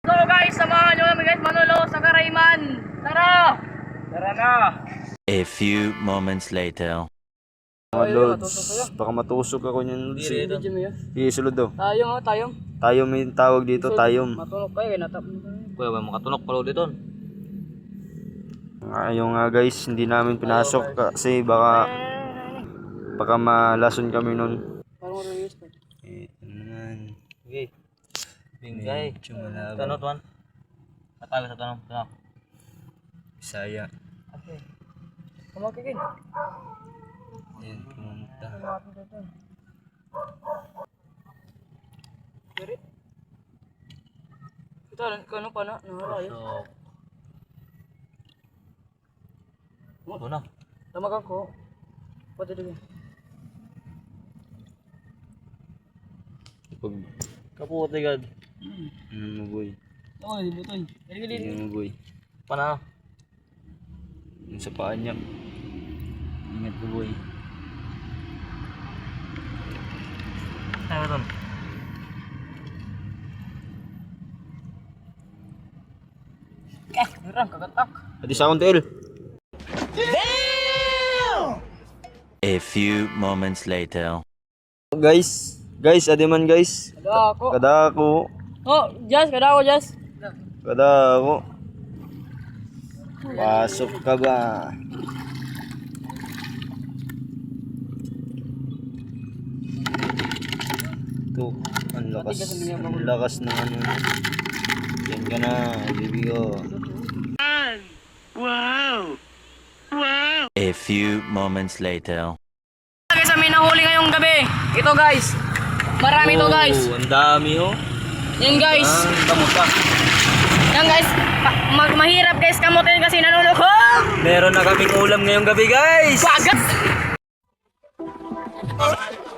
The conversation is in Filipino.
So guys, samahan nyo kami guys manulo sa Karayman. Tara! Tara na! A few moments later. Mga lods, baka matusok ako niyan. Isulod daw. Tayong tayong. Tayom yung tawag dito, tayom. Matulog kayo, natap mo kayo. Kuya, may makatunok pala dito. Ayun nga guys, hindi namin pinasok kasi baka malason kami nun. Parang release pa. Ito naman. Okay. Bingkay. Medyo malabo. Tanong, tuwan. Natawag sa tanong. Tanong. Bisaya. Okay. Kumakikin. Ayan, pumunta. Kiri. Ito, ano pa na? Nakarayo. Ito na. Tamag ako. Pwede din. Pag, Kaputi gad. ano mo boy? Oo, di butoy. Ano mo boy? Pana. Yung sa paa niya. Ingat mo boy. Ano ito? Hirang, kagatak. Adi sa akong tail. A few moments later. Guys, adi man guys. Kada ako. Kada ako. Oh, Jazz, kada ako, Jazz. Kada ako. Pasok ka ba? Ito, ang lakas ng ano. Yan ka na, baby ko. A few moments later. Guys, may nahuli ngayong gabi. Ito guys. Marami to guys. Ang dami oh. Yan guys. Kamuta. Yan guys. Mahirap guys kamutin kasi nanulukog. Meron na kaming ulam ngayong gabi guys. Bagat.